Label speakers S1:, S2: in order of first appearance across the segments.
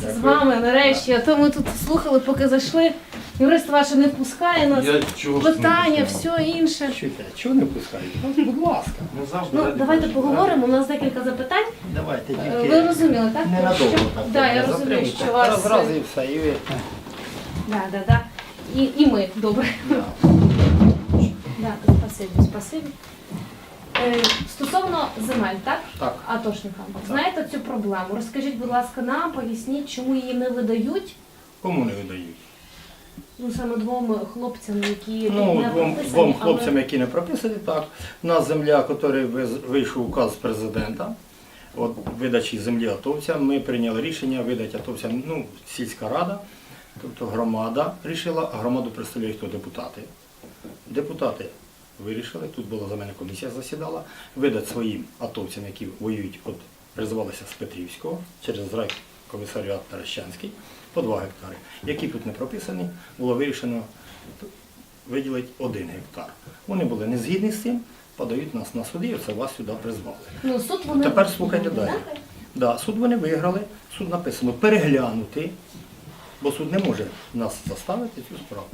S1: з вами нарешті, а то ми тут слухали, поки зайшли. Юрист ваш не впускає нас, питання, все інше.
S2: Чуйте, чого не пускають? Будь ласка.
S1: Ну, давайте поговоримо, у нас декілька запитань.
S2: Давайте,
S1: Ви
S2: тільки
S1: розуміли, так?
S2: ненадовго так.
S1: Да, я розумію, що вас...
S2: Зразу і все, і ви.
S1: Да. І ми, добре. Да, спасибі. Стосовно земель, так?
S2: Так.
S1: Атошникам. Знаєте цю проблему? Розкажіть, будь ласка, нам, поясніть, чому її не видають?
S2: Кому не видають?
S1: Ну, саме двом хлопцям, які
S2: Ну,
S1: не прописані,
S2: двом
S1: але-
S2: хлопцям, які не прописані, так. У нас земля, який вийшов указ президента, от видачі землі атовцям, ми прийняли рішення видати атовцям, ну, сільська рада, тобто громада рішила, а громаду представляють хто? Депутати. Депутати вирішили, тут була за мене комісія засідала, видати своїм атовцям, які воюють, от призивалися з Петрівського, через райкомісаріат Таращанський, по 2 гектари. Які тут не прописані, було вирішено виділити 1 гектар. Вони були не згідні з цим, подають нас на суди, і оце вас сюди призвали.
S1: Ну, суд вони...
S2: Тепер слухайте далі. Да, суд вони виграли, суд написано переглянути, бо суд не може нас заставити цю справу.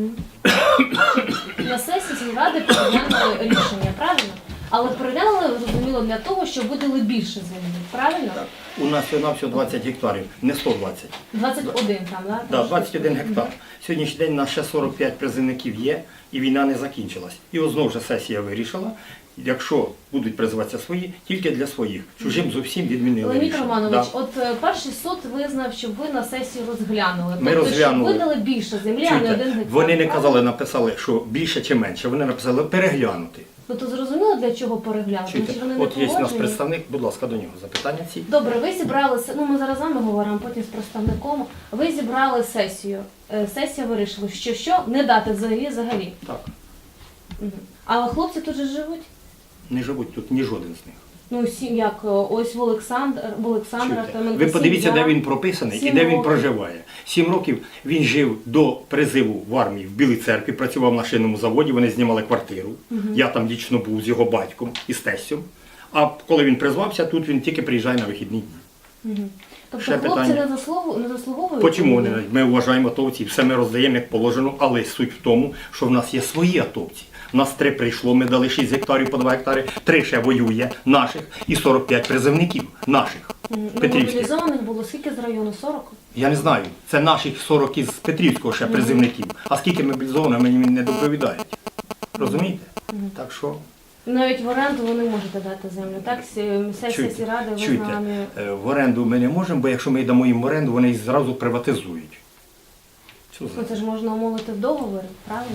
S1: На сесії сільради переглянули рішення, правильно? Але переглянули, зрозуміло, для того, щоб видали більше землі, правильно?
S2: Так. У нас всього 20 гектарів, не 120.
S1: 21 там, так?
S2: Да, 21 гектар. Сьогоднішній день у нас ще 45 призивників є, і війна не закінчилась. І ось знову ж сесія вирішила, якщо будуть призиватися свої, тільки для своїх. Чужим зовсім відмінили
S1: Леонід
S2: рішення.
S1: Романович,
S2: Да.
S1: от перший суд визнав, щоб ви на сесію розглянули.
S2: Ми
S1: тобто,
S2: розглянули.
S1: щоб видали більше землі, а не
S2: Чуєте,
S1: 1 гектар.
S2: вони не
S1: правильно?
S2: казали, написали, що більше чи менше, вони написали переглянути.
S1: Ну, то зрозуміло, для чого переглянути?
S2: Чуєте,
S1: Тому що вони
S2: от
S1: не
S2: є у нас
S1: погоджені.
S2: представник, будь ласка, до нього запитання ці.
S1: Добре, ви зібралися, ну ми зараз з вами говоримо, потім з представником. Ви зібрали сесію. Сесія вирішила, що не дати взагалі.
S2: Так,
S1: Мгм. Але хлопці тут же живуть.
S2: не живуть тут ні жоден з них.
S1: Ну, як ось в Олександра
S2: Чуєте,
S1: Клименко,
S2: ви подивіться,
S1: сім'я.
S2: де він прописаний і
S1: 7
S2: де він
S1: років.
S2: проживає. 7 років він жив до призиву в армії в Білій церкві, працював на шинному заводі, вони знімали квартиру. Я там дійсно був з його батьком і з тестем. А коли він призвався, тут він тільки приїжджає на вихідні дні.
S1: Тобто
S2: ще
S1: хлопці
S2: питання.
S1: не заслуговують?
S2: Чому вони? Ми вважаємо атовців, все ми роздаємо як положено, але суть в тому, що в нас є свої атовці. У нас 3 прийшло, ми дали 6 гектарів по 2 гектари, 3 ще воює наших і 45 призивників наших, петрівських.
S1: Мобілізованих було скільки з району? 40?
S2: Я не знаю, це наших 40 із Петрівського ще призивників. А скільки мобілізованих, мені не доповідають. Розумієте? Так що,
S1: Навіть в оренду ви не можете дати землю, так? Сесія
S2: чуйте,
S1: сільради визнала не...
S2: в оренду ми не можемо, бо якщо ми дамо їм в оренду, вони їх зразу приватизують. Що за-
S1: Ну, це ж можна умовити в договорі, правильно?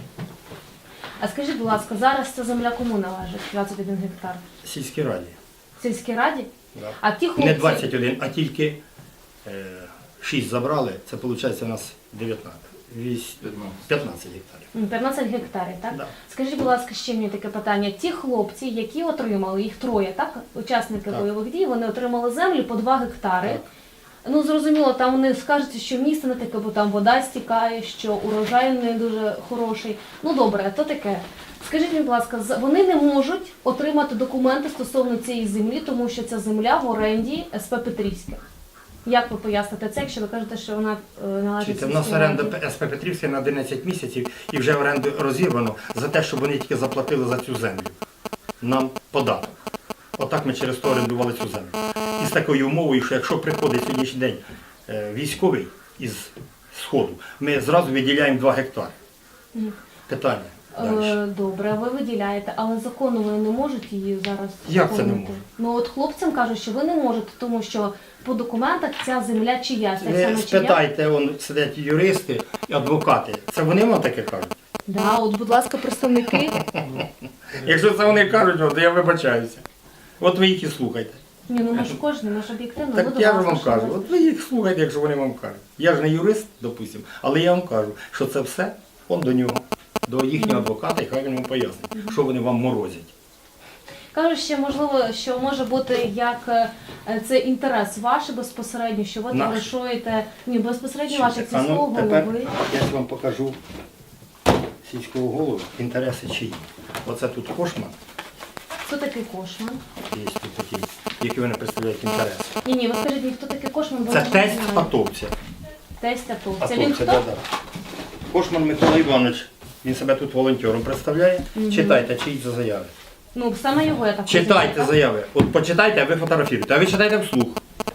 S1: А скажіть, будь ласка, зараз ця земля кому належить, 21 гектар?
S2: Сільській раді.
S1: Сільській раді?
S2: Да.
S1: А ті хлопці...
S2: Не 21, а тільки 6 забрали, це виходить у нас 19. 15 гектарів.
S1: 15 гектарів, так?
S2: Да.
S1: Скажіть, будь ласка, ще мені таке питання. Ті хлопці, які отримали, їх 3, так? Учасники
S2: Так.
S1: бойових дій, вони отримали землю по 2 гектари.
S2: Так.
S1: Ну, зрозуміло, там вони скажуть, що місце не таке, бо там вода стікає, що урожай не дуже хороший. Ну, добре, то таке. Скажіть мені, будь ласка, вони не можуть отримати документи стосовно цієї землі, тому що ця земля в оренді СП Петрівське. Як ви поясните це, якщо ви кажете, що вона належить
S2: У нас
S1: сільській
S2: оренда
S1: раді?
S2: СП Петрівська на 11 місяців і вже оренду розірвано за те, щоб вони тільки заплатили за цю землю. Нам податок. Отак ми через то орендували цю землю. І з такою умовою, що якщо приходить сьогоднішній день військовий із Сходу, ми зразу виділяємо 2 гектари. Питання. Далі.
S1: Добре, ви виділяєте, але законно вони не можуть її зараз
S2: Як це не
S1: оформити?
S2: можуть?
S1: Ну от хлопцям кажуть, що ви не можете, тому що по документах ця земля чиясь. Так
S2: Ви
S1: само
S2: спитайте, вон сидять юристи і адвокати. Це вони вам таке кажуть?
S1: Да, от, будь ласка, представники.
S2: Якщо це вони кажуть, то я вибачаюся. От ви їх і слухайте.
S1: Ні, ну ми ж кожен, ми ж об'єктивно.
S2: Так
S1: ви до
S2: я ж
S1: вас
S2: вам
S1: пішли.
S2: кажу, от ви їх слухайте, якщо вони вам кажуть. Я ж не юрист, допустимо, але я вам кажу, що це все он до нього, до їхнього адвоката, і хай він вам пояснить, що вони вам морозять.
S1: Кажуть, ще можливо, що може бути як це інтерес ваш безпосередньо, що ви
S2: Наш.
S1: товаришуєте, ні, безпосередньо ваш як
S2: А
S1: сільського
S2: ну, тепер
S1: голови.
S2: я ж вам покажу сільського голову, інтереси чиї. Оце тут Кошман,
S1: Хто такий Кошман?
S2: є тут такий, які вони представляють інтереси.
S1: Ні, ви скажіть, мені, хто такий Кошман? бо
S2: Це
S1: я не
S2: тесть
S1: знаю.
S2: атовця.
S1: Тесть атовця. Він хто?
S2: да. Кошман Микола Іванович, він себе тут волонтером представляє. Читайте, чиї це заяви.
S1: Ну, саме його я так
S2: Читайте
S1: розумію,
S2: заяви. От почитайте, а ви фотографіруєте. А ви читайте вслух.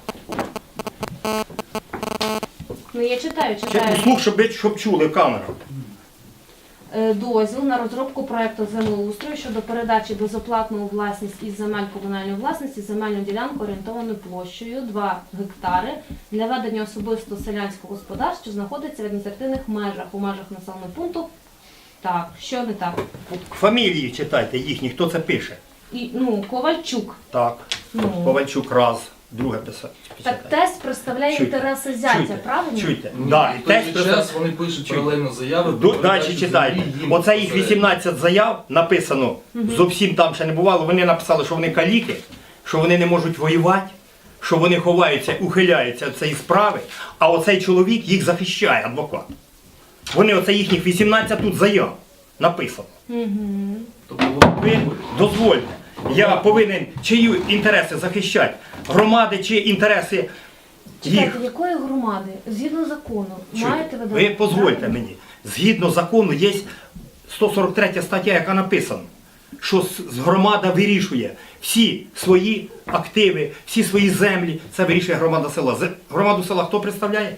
S1: так? Ну, я читаю.
S2: Вслух, щоб чули камеру.
S1: Дозвіл на розробку проекту землеустрою щодо передачі безоплатно у власність із земель комунальної власності земельну ділянку орієнтованою площею 2 гектари для ведення особисто селянського господарства, що знаходиться в адміністративних межах у межах населеного пункту. Так, що не так?
S2: Фамілії читайте їхні, хто це пише.
S1: І, Ковальчук.
S2: Так.
S1: Ну.
S2: Ковальчук раз, друге писати.
S1: Так тесть представляє
S2: Чуйте,
S1: інтереси зятя,
S2: чуйте,
S1: правильно?
S2: Чуйте.
S3: Ну,
S2: Да, і
S3: в той
S2: тесть
S3: же
S2: представляє.
S3: час вони пишуть паралельно заяви.
S2: Далі читайте. Оце їх 18 заяв написано, зовсім там ще не бувало. Вони написали, що вони каліки, що вони не можуть воювати, що вони ховаються, ухиляються від цієї справи, а оцей чоловік їх захищає, адвокат. Вони, оце їхніх 18 тут заяв написано.
S3: Тобто
S2: Ви дозвольте, я повинен чиї інтереси захищати? Громади чи інтереси їх?
S1: Чекайте, якої громади? Згідно закону, маєте ви
S2: Ви дозвольте мені. Згідно закону є 143 стаття, яка написана, що громада вирішує всі свої активи, всі свої землі. Це вирішує громада села. Громаду села хто представляє?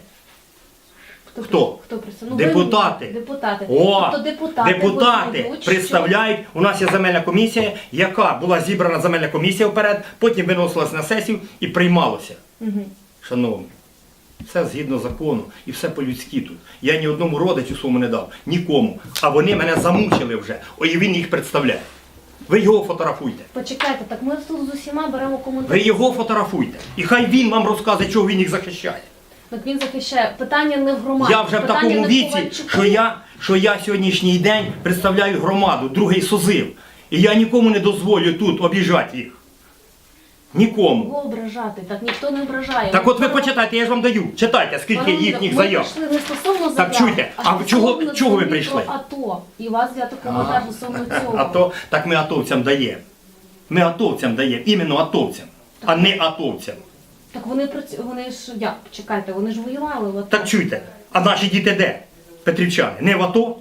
S2: Хто?
S1: Хто представляє?
S2: Депутати.
S1: Депутати.
S2: О,
S1: Тобто депутати
S2: депутати
S1: визнають, що-
S2: представляють. У нас є земельна комісія, яка була зібрана земельна комісія вперед, потім виносилась на сесію і приймалося. Шановні, все згідно закону і все по-людськи тут. Я ні одному родичу своєму не дав, нікому. А вони мене замучили вже. Ой, і він їх представляє. Ви його фотографуйте.
S1: Почекайте, так ми тут з усіма беремо коментарі.
S2: Ви його фотографуйте. І хай він вам розказує, чого він їх захищає.
S1: Так він захищає. Питання не в громаді.
S2: Я вже в
S1: питання
S2: такому
S1: не в
S2: віці,
S1: Ковальчуку.
S2: що я сьогоднішній день представляю громаду, другий созив. І я нікому не дозволю тут обіжати їх. Нікому.
S1: Кого ображати? Так ніхто не ображає.
S2: Так от ви почитайте, я ж вам даю. Читайте, скільки їхніх заяв.
S1: Ми прийшли не стосовно заяв,
S2: Так чуйте, а
S1: стосовно
S2: чого ви
S1: цього
S2: прийшли?
S1: АТО. І вас взяти коментар стосовно цього.
S2: Так ми атовцям даємо. Ми атовцям даємо, іменно атовцям, а не атовцям.
S1: Так вони ж, як, чекайте, вони ж воювали в АТО.
S2: Так чуйте, а наші діти де? Петрівчани, не в АТО?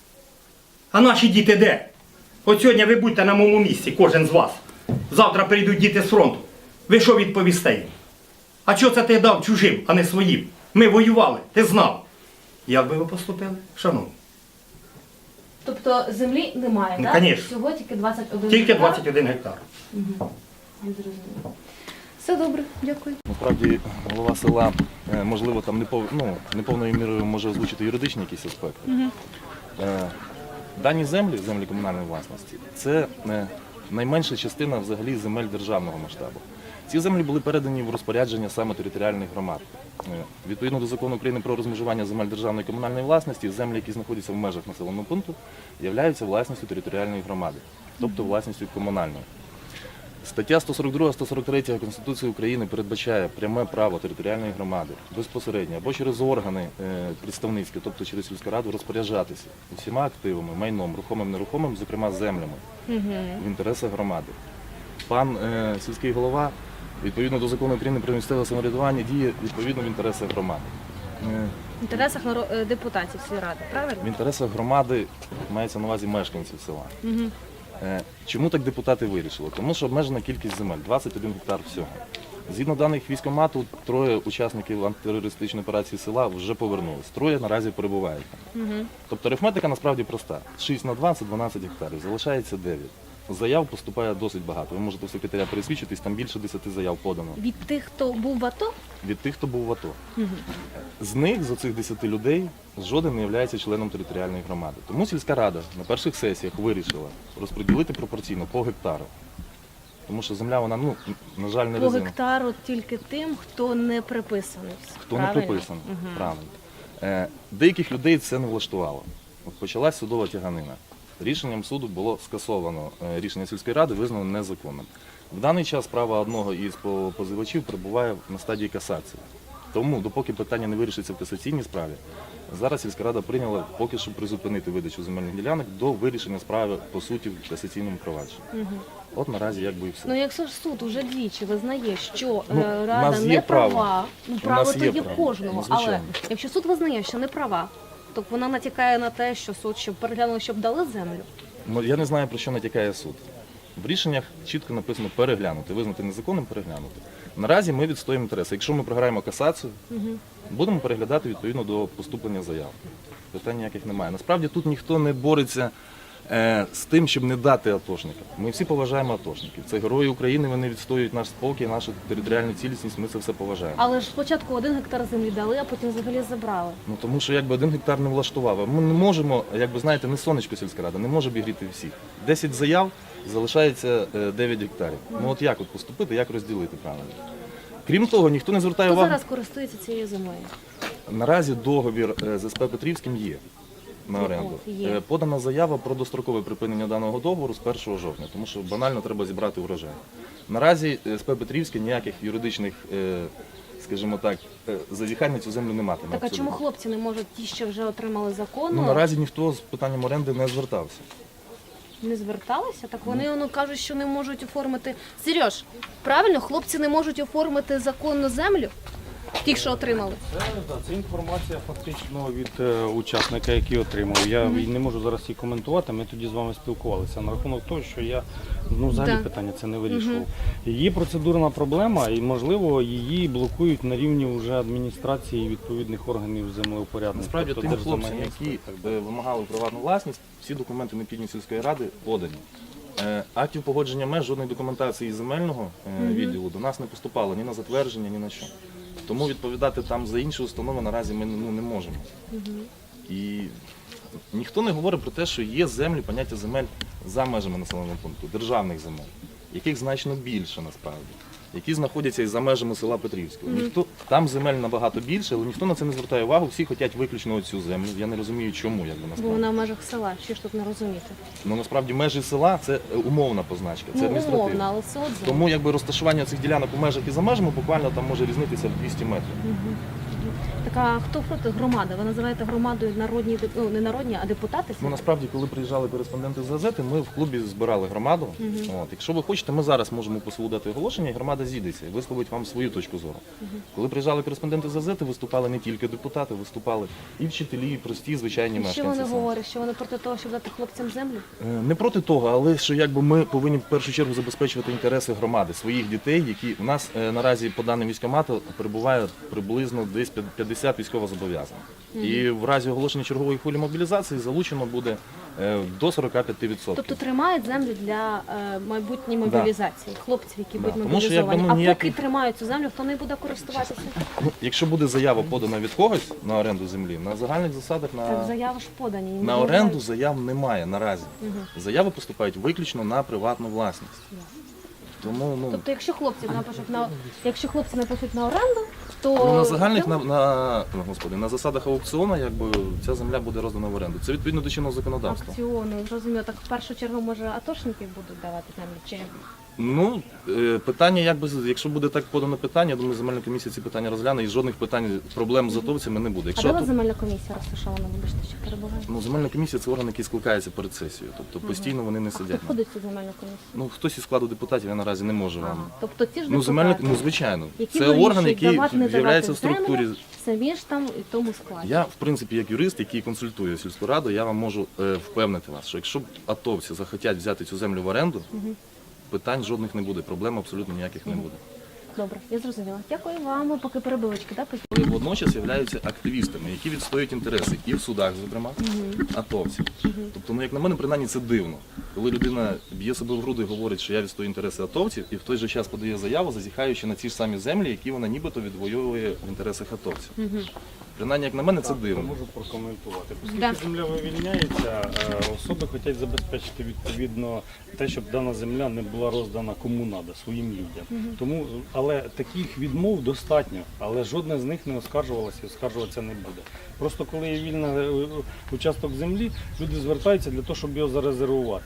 S2: А наші діти де? От сьогодні ви будьте на моєму місці, кожен з вас. Завтра прийдуть діти з фронту. Ви що відповісте їм? А чого це ти дав чужим, а не своїм? Ми воювали, ти знав. Як би ви поступили, шановні?
S1: Тобто землі немає,
S2: Ну,
S1: так?
S2: конечно.
S1: Всього тільки 21
S2: Тільки
S1: гектар?
S2: 21 гектар.
S1: Я зрозуміла. Все добре, дякую.
S4: Насправді голова села, можливо, там неповною мірою може озвучити юридичні якісь аспекти. Дані землі комунальної власності, це найменша частина взагалі земель державного масштабу. Ці землі були передані в розпорядження саме територіальних громад. Відповідно до закону України про розмежування земель державної і комунальної власності, землі, які знаходяться в межах населеного пункту, являються власністю територіальної громади, тобто власністю комунальної. Стаття 142-143 Конституції України передбачає пряме право територіальної громади безпосередньо або через органи представницькі, тобто через сільську раду, розпоряджатися усіма активами, майном, рухомим, нерухомим, зокрема землями, в інтересах громади. Пан сільський голова, відповідно до закону України про місцеве самоврядування, діє відповідно в інтересах громади.
S1: В інтересах депутатів сільради, правильно?
S4: В інтересах громади мається на увазі мешканців села. Чому так депутати вирішили? Тому що обмежена кількість земель – 21 гектар всього. Згідно даних військкомату, 3 учасників антитерористичної операції села вже повернулись. 3 наразі перебувають там. Тобто арифметика насправді проста. 6 на 2 – це 12 гектарів, залишається 9. Заяв поступає досить багато. Ви можете в секретаря пересвідчитись, там більше 10 заяв подано.
S1: Від тих, хто був в АТО?
S4: Від тих, хто був в АТО. З них, з оцих 10 людей, жоден не є членом територіальної громади. Тому сільська рада на перших сесіях вирішила розподілити пропорційно по гектару. Тому що земля, вона, на жаль, не
S1: По
S4: резина.
S1: гектару тільки тим, хто не приписаний.
S4: Хто не приписаний, правильно. Деяких людей це не влаштувало. От почалась судова тяганина. Рішенням суду було скасовано рішення сільської ради, визнано незаконним. В даний час справа одного із позивачів перебуває на стадії касації. Тому, допоки питання не вирішиться в касаційній справі, зараз сільська рада прийняла поки що призупинити видачу земельних ділянок до вирішення справи по суті в касаційному провадженні. От наразі якби і все.
S1: Ну якщо ж суд уже двічі визнає, що
S4: Ну, у
S1: рада
S4: нас є
S1: не
S4: право.
S1: права, ну
S4: У
S1: право
S4: нас
S1: то
S4: є
S1: є
S4: право.
S1: кожного,
S4: Ну,
S1: але
S4: звичайно.
S1: якщо суд визнає, що не права, то вона натякає на те, що суд щоб переглянули, щоб дали землю.
S4: Ну, я не знаю, про що натякає суд. В рішеннях чітко написано переглянути, визнати незаконним переглянути. Наразі ми відстоїмо інтереси. Якщо ми програємо касацію, будемо переглядати відповідно до поступлення заяв. Питань ніяких немає. Насправді тут ніхто не бореться з тим, щоб не дати атошникам. Ми всі поважаємо атошників. Це герої України, вони відстоюють наш спокій, нашу територіальну цілісність, ми це все поважаємо.
S1: Але ж спочатку 1 гектар землі дали, а потім взагалі забрали.
S4: Ну тому що якби 1 гектар не влаштував. А ми не можемо, якби знаєте, не сонечко сільська рада, не може обігріти всіх. 10 заяв, залишається 9 гектарів. Ну от як от поступити, як розділити правильно? Крім того, ніхто не звертає
S1: Хто
S4: увагу.
S1: зараз користується цією землею?
S4: Наразі договір з СП Петрівським є на оренду.
S1: От, є.
S4: Подана заява про дострокове припинення даного договору з 1 жовтня, тому що банально треба зібрати урожай. Наразі СП Петрівське ніяких юридичних, скажімо так, зазіхань на цю землю не матиме.
S1: Так а
S4: абсолютно.
S1: чому хлопці не можуть ті, що вже отримали законно,
S4: Ну, наразі ніхто з питанням оренди не звертався.
S1: не зверталися? Так вони кажуть, що не можуть оформити. Сереж, правильно, хлопці не можуть оформити законну землю? Ті, що отримали.
S5: Це інформація фактично від учасника, який отримав. Я не можу зараз її коментувати, ми тоді з вами спілкувалися на рахунок того, що я взагалі
S1: Да.
S5: питання це не вирішував. Є процедурна проблема і, можливо, її блокують на рівні вже адміністрації і відповідних органів землеупорядних.
S4: Насправді
S5: тобто
S4: тим хлопцям,
S5: Держземагентства
S4: які
S5: і так далі.
S4: вимагали приватну власність, всі документи необхідні сільської ради подані. Актів погодження меж, жодної документації земельного відділу до нас не поступало ні на затвердження, ні на що. Тому відповідати там за інші установи наразі ми не можемо. І ніхто не говорить про те, що є землі, поняття земель за межами населеного пункту, державних земель, яких значно більше насправді, які знаходяться і за межами села Петрівського. Там земель набагато більше, але ніхто на це не звертає увагу, всі хочуть виключно цю землю. Я не розумію, чому, якби
S1: Бо
S4: насправді.
S1: вона в межах села, що ж тут не розуміти?
S4: Ну насправді межі села це умовна позначка, це
S1: Ну,
S4: адміністративна.
S1: умовно, але все одно.
S4: Тому якби розташування цих ділянок у межах і за межами буквально там може різнитися в 200 метрів.
S1: Так а хто проти громади? Ви називаєте громадою народні, ну не народні, а депутати?
S4: Ну насправді, коли приїжджали кореспонденти з газети, ми в клубі збирали громаду. От, якщо ви хочете, ми зараз можемо по селу дати оголошення, і громада зійдеться і висловить вам свою точку зору. Коли приїжджали кореспонденти з газети, виступали не тільки депутати, виступали і вчителі, і прості, звичайні
S1: І що
S4: мешканці.
S1: вони
S4: села.
S1: говорять? Що вони проти того, щоб дати хлопцям землю?
S4: Не проти того, але що якби ми повинні в першу чергу забезпечувати інтереси громади, своїх дітей, які у нас наразі по даним військкомату перебуває приблизно десь 50 військовозобов'язаних. І в разі оголошення чергової хвилі мобілізації залучено буде до 45%.
S1: Тобто тримають землю для майбутньої мобілізації, хлопців, які будуть
S4: Тому що, якби,
S1: мобілізовані.
S4: ну,
S1: А поки тримають цю землю, хто не буде користуватися?
S4: Ну, якщо буде заява подана від когось на оренду землі, на загальних засадах
S1: Так заяви ж подані. і не
S4: на оренду
S1: вимагають.
S4: заяв немає наразі. Заяви поступають виключно на приватну власність. Тому
S1: Тобто, якщо хлопці напишуть на оренду, то
S4: Ну, на загальних на засадах аукціону, якби ця земля буде роздана в оренду. Це відповідно до чинного законодавства.
S1: акціони, зрозуміло. Так в першу чергу може атошники будуть давати землю чи
S4: Ну питання, якби якщо буде так подано питання, я думаю, земельна комісія ці питання розгляне і жодних питань, проблем з атовцями не буде.
S1: а
S4: Якщо
S1: де у вас земельна комісія розташована? Вибачте, що перебуває.
S4: ну земельна комісія це орган, який скликається перед сесією, тобто постійно вони не
S1: Хто
S4: сидять.
S1: входить в цю земельну комісію?
S4: Ну хтось із складу депутатів я наразі не можу вам.
S1: Тобто ці ж
S4: Ну земельна,
S1: депутати,
S4: ну звичайно,
S1: які
S4: це орган,
S1: вирішують,
S4: який
S1: давати, не
S4: з'являється в
S1: давати
S4: структурі.
S1: землю, самі ж там і в тому складі.
S4: Я, в принципі, як юрист, який консультує сільську раду, я вам можу впевнити вас, що якщо атовці захотять взяти цю землю в оренду, питань жодних не буде, проблем абсолютно ніяких не буде.
S1: Добре, я зрозуміла. Дякую вам. Ми поки перебивочки, так?
S4: Вони водночас являються активістами, які відстоюють інтереси і в судах, зокрема, атовців. Тобто, ну як на мене, принаймні це дивно. Коли людина б'є себе в груди і говорить, що я відстою інтереси атовців, і в той же час подає заяву, зазіхаючи на ті ж самі землі, які вона нібито відвоює в інтересах атовців. Принаймні, як на мене, це
S5: Я
S4: дивно.
S5: можу прокоментувати. Оскільки
S1: Да.
S5: земля вивільняється, особи хочуть забезпечити відповідно те, щоб дана земля не була роздана кому надо, своїм людям. Тому, але таких відмов достатньо, але жодна з них не оскаржувалася і оскаржуватися не буде. Просто коли є вільний участок землі, люди звертаються для того, щоб його зарезервувати.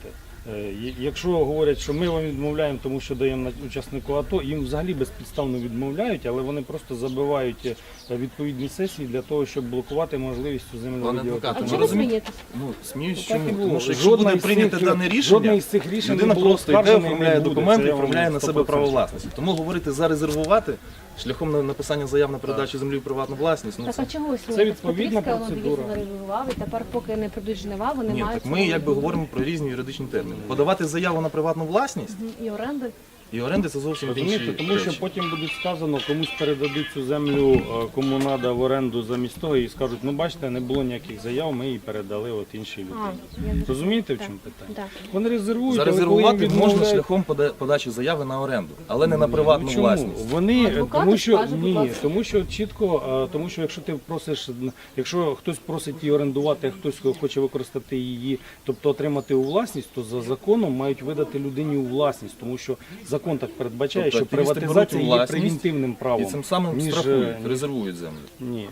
S5: Якщо говорять, що ми вам відмовляємо, тому що даємо учаснику АТО, їм взагалі безпідставно відмовляють, але вони просто забивають відповідні сесії для того, щоб блокувати можливість цю землю
S4: Пане
S5: виділити.
S4: адвокате,
S1: А
S4: ви
S1: чого ви
S4: розумієте?
S1: смієтесь?
S4: Ну, сміюсь
S5: Так і
S4: чому?
S5: було.
S4: Тому що якщо
S5: Жодне
S4: буде
S5: із
S4: прийнято
S5: цих-
S4: дане
S5: жодне
S4: рішення,
S5: із цих рішень
S4: людина
S5: не було
S4: просто йде,
S5: оскаржене і не
S4: оформляє
S5: буде.
S4: документи
S5: Це
S4: і
S5: я вам
S4: оформляє на себе
S5: 100%
S4: право власності. Тому говорити зарезервувати шляхом написання заяв на передачу землі в приватну власність, ну
S1: Так
S4: це...
S1: а чого ви
S5: Це відповідна
S1: Петрівська, воно,
S5: процедура.
S1: дивіться, зарегулював, і тепер, поки не прийдуть жнива, вони
S4: Ні,
S1: мають...
S4: так ми якби говоримо про різні юридичні терміни. Подавати заяву на приватну власність
S1: І оренди.
S4: і оренди це зовсім інші
S5: Розумієте, тому що
S4: речі.
S5: потім буде сказано, комусь передадуть цю землю, кому треба в оренду замість того, і скажуть, ну бачите, не було ніяких заяв, ми її передали от іншій людині. Розумієте, в чому питання?
S1: Так.
S5: Вони резервують, але коли їм
S4: Зарезервувати можна
S5: відмовляють...
S4: шляхом подачі заяви на оренду, але не на приватну
S5: Ну, чому?
S4: власність.
S5: Вони,
S1: Адвокат
S5: тому що
S1: скаже, будь
S5: ні,
S1: ласка.
S5: тому що чітко, тому що якщо ти просиш, якщо хтось просить її орендувати, а хтось хоче використати її, тобто отримати у власність, то за законом мають видати людині у власність, тому що закон так передбачає,
S4: Тобто
S5: що
S4: активісти
S5: приватизація
S4: беруть у
S5: є
S4: власність
S5: превентивним правом.
S4: І цим самим
S5: ніж,
S4: штрафують, резервують землю.
S5: Ні,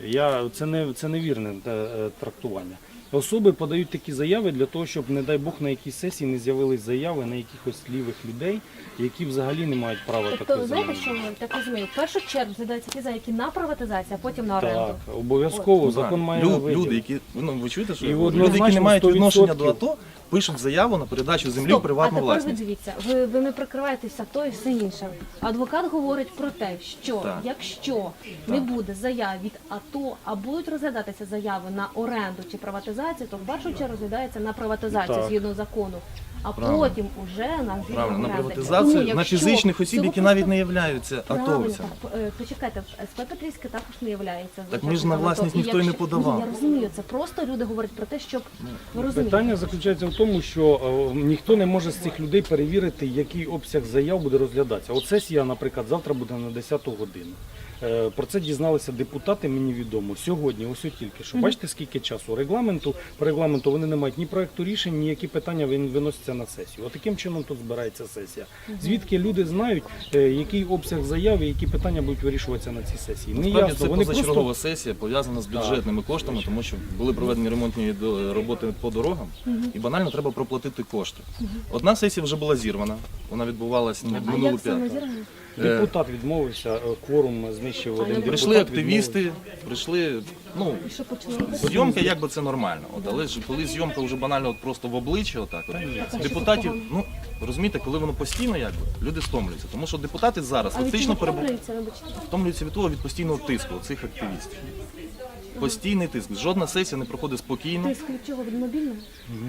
S5: це невірне трактування. Особи подають такі заяви для того, щоб, не дай Бог, на якійсь сесії не з'явились заяви на якихось лівих людей, які взагалі не мають права
S1: Тобто,
S5: такої
S1: знаєте,
S5: землі.
S1: що ми так розумію? В першу чергу згадаються ті заявки на приватизацію, а потім на оренду.
S5: Так, обов'язково закон має виділити.
S4: Люди, які ви чуєте, що
S5: І
S4: люди, які
S5: однозначно
S4: не мають
S5: 100%
S4: відношення до АТО, пишуть заяву на передачу землі в
S1: Стоп,
S4: приватну
S1: а тепер ви
S4: власність.
S1: дивіться, ви не прикриваєтеся то і все інше. Адвокат говорить про те, що
S4: Так.
S1: якщо не буде заяв від АТО, а будуть розглядатися заяви на оренду чи приватизацію, то в першу чергу розглядається на приватизацію
S5: Так.
S1: згідно закону. А
S4: Правильно.
S1: потім уже на звільнення
S4: Правильно, на
S1: оренди.
S4: приватизацію
S1: Тому,
S4: на
S1: якщо
S4: фізичних осіб,
S1: цього
S4: які навіть
S1: просто-
S4: не являються
S1: Правильно,
S4: атовцями.
S1: так, почекайте, СП Петрівське також не являється.
S4: Так ми ж на власність ніхто й не подавав.
S1: Ні, я розумію, це просто люди говорять про те, щоб ви розумієте.
S5: Питання заключається в тому, що ніхто не може з цих людей перевірити, який обсяг заяв буде розглядатися. От сесія, наприклад, завтра буде на 10 годину. Про це дізналися депутати, мені відомо. Сьогодні, ось тільки що. Бачите, скільки часу? По регламенту вони не мають ні проекту рішень, ні які питання виносяться на сесію. От таким чином тут збирається сесія. Звідки люди знають, який обсяг заяв і які питання будуть вирішуватися на цій сесії? Не
S4: Насправді
S5: ясно.
S4: це
S5: Вони
S4: позачергова
S5: просто...
S4: сесія пов'язана з бюджетними коштами, тому що були проведені ремонтні роботи по дорогам, і банально треба проплатити кошти. Одна сесія вже була зірвана, вона відбувалася
S1: А
S4: минулу
S1: як саме
S4: п'ятницю.
S1: зірвано?
S5: Депутат відмовився, кворум знищив один депутат.
S4: Прийшли активісти, прийшли, ну,
S1: І що почали робити?
S4: зйомка якби це нормально. От, але ж коли зйомка вже банально от просто в обличчя, отак, от, депутатів, ну розумієте, коли воно постійно якби, люди стомлюються. Тому що депутати зараз
S1: А від
S4: фактично
S1: чого втомлюються, вибачте?
S4: втомлюються від того від постійного тиску цих активістів. Постійний тиск. Жодна сесія не проходить спокійно.
S1: Тиск від чого? Від мобільного?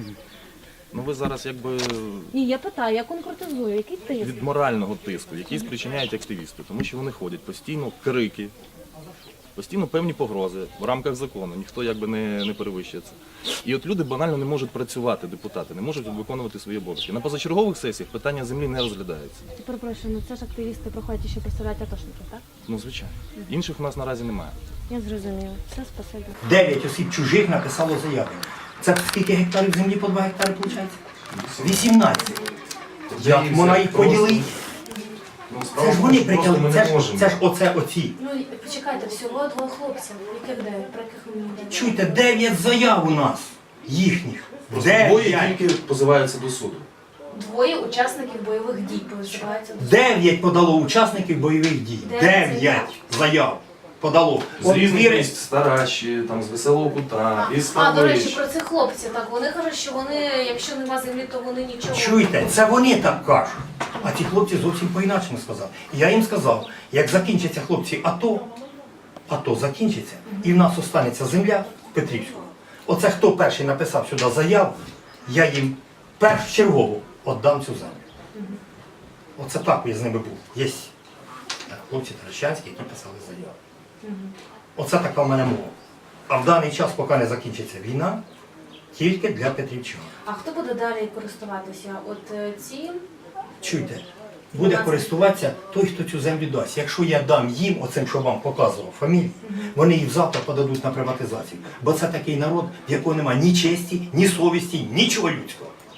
S4: Ну ви зараз якби
S1: Ні, я питаю, я конкретизую, який тиск?
S4: від морального тиску, який спричиняють активісти, тому що вони ходять постійно крики, постійно певні погрози в рамках закону, ніхто якби не перевищує це. І от люди банально не можуть працювати, депутати, не можуть виконувати свої обов'язки. На позачергових сесіях питання землі не розглядаються.
S1: Перепрошую, ну це ж активісти проходять, що представляють атошників, так?
S4: Ну, звичайно. Інших у нас наразі немає.
S1: Я зрозуміла. Все, спасибі.
S6: 9 осіб чужих написало заяви. Це скільки гектарів землі по 2 гектари виходить? 18. Як вона їх поділить? Це ж вони притягли, це ж оці.
S1: Ну, почекайте, всього 2 хлопців. Яких 9? Про яких ми не
S6: Чуйте, 9 заяв у нас, їхніх. 9.
S4: позиваються до суду.
S1: 2 учасників бойових дій позиваються до
S6: 9 подало учасників бойових дій. 9 заяв подало. От віри-
S3: Стараші, там з Веселого Кута, із
S1: А, до речі,
S3: Павлович.
S1: про цих хлопців, так, вони кажуть, що вони, якщо нема землі, то вони нічого.
S6: Чуєте, це вони так кажуть. А ті хлопці зовсім по-інакшому сказали. Я їм сказав, як закінчаться хлопці АТО закінчиться, і в нас останеться земля Петрівського. Оце хто перший написав сюди заяву, я їм першочергово віддам цю землю. Оце так я з ними був. Є хлопці Таращанські, які писали заяву. Оце така в мене мова. А в даний час, поки не закінчиться війна, тільки для Петрівчан.
S1: А хто буде далі користуватися? От ці?
S6: Чуйте, буде користуватися той, хто цю землю дасть. Якщо я дам їм, оцим, що вам показував, фамілію, вони їх завтра подадуть на приватизацію. Бо це такий народ, в якого немає ні честі, ні совісті, нічого людського.
S1: Так, а поки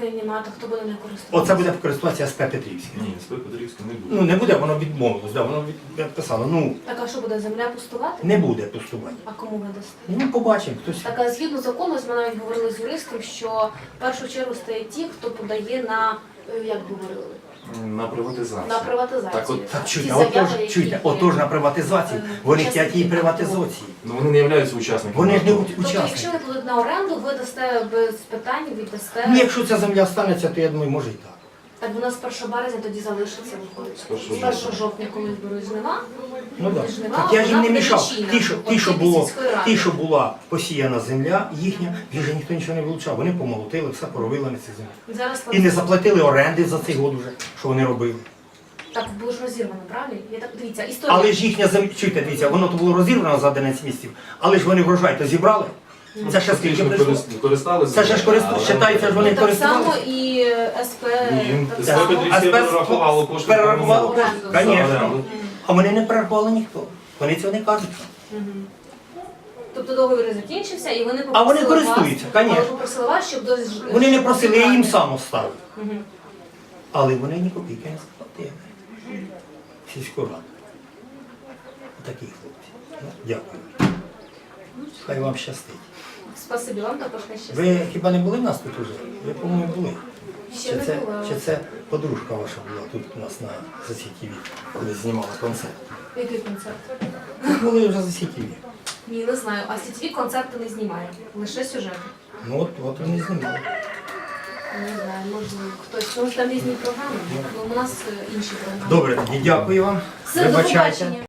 S1: Україні немає, то хто буде не користуватися?
S6: Оце буде користуватися СП Петрівське.
S3: Ні, СП Петрівська не буде.
S6: Ну не буде, воно відмовилось, да, воно відписало. Ну,
S1: Так, а що буде, земля пустувати?
S6: не буде пустувати.
S1: А кому ви дасте?
S6: Ну, побачимо, хтось.
S1: Так, а згідно закону, ми навіть говорили з юристом, що в першу чергу стає ті, хто подає на, як говорили,
S3: На приватизацію.
S1: на приватизацію.
S3: Так от,
S6: Так
S1: Ті
S6: чуйте,
S1: заяви,
S6: отож,
S1: які
S6: чуйте,
S1: є.
S6: отож на приватизації, вони
S1: Учасники
S6: хочуть її приватизації.
S3: Ну вони не являються учасниками.
S6: Вони ж не
S3: АТО.
S1: Тобто, якщо
S6: учасники.
S1: ви будете на оренду, ви дасте без питань, віддасте.
S6: Ну, якщо ця земля станеться, то я думаю, може і так.
S1: Так вона з 1 березня тоді залишиться, виходить.
S3: З 1
S1: З 1 жовтня, коли зберуть жнива.
S6: Ну так.
S1: Жнива,
S6: Так я ж їм
S1: вона
S6: не
S1: буде
S6: мішав.
S1: лічильна.
S6: Ті, що була посіяна земля їхня, вже ніхто нічого не вилучав. Вони помолотили, все поробили на цій землі.
S1: Зараз
S6: І не заплатили оренди за цей год вже, що вони робили.
S1: так було ж розірвано, правильно? Я так дивіться, історія.
S6: Але ж їхня земля, чуйте, дивіться, воно то було розірвано за 11 місяців, але ж вони врожай то зібрали. Це ще скільки
S3: Фактично
S6: прийшло.
S3: користалися.
S6: Це ще ж вважається, ж вони
S1: так само
S6: користувалися.
S1: і СП.
S3: Ні,
S1: так
S3: СП
S1: само.
S3: Петрівське перерахувало кошти.
S6: Перерахувало
S1: кошти,
S6: Звісно. А вони не перерахували ніхто. Вони цього не кажуть.
S1: Тобто договір закінчився, і вони
S6: А вони
S1: попросили
S6: користуються,
S1: вас,
S6: конечно.
S1: але попросили вас, щоб
S6: Вони не просили, я їм сам оставив.
S1: Мгм.
S6: Але вони ні копійки не сплатили. Сільську раду. Такі хлопці. Ну, дякую. Хай вам щастить.
S1: Спасибі вам також не щастить.
S6: Ви хіба не були в нас тут уже? Ви, по-моєму, були.
S1: Ще не була.
S6: Чи це подружка ваша була тут у нас на ЗСІ-ТВ, коли знімала концерт?
S1: Який концерт?
S6: Ви були вже ЗСІ-ТВ.
S1: Ні, не знаю. А сітові концерти не знімає. Лише сюжети.
S6: Ну от вони знімали.
S1: Не знаю, можливо, хтось. Тому що там різні програми. Ну, у нас інші програми.
S6: Добре, тоді дякую вам.
S1: Все, до
S6: Вибачайте.
S1: побачення.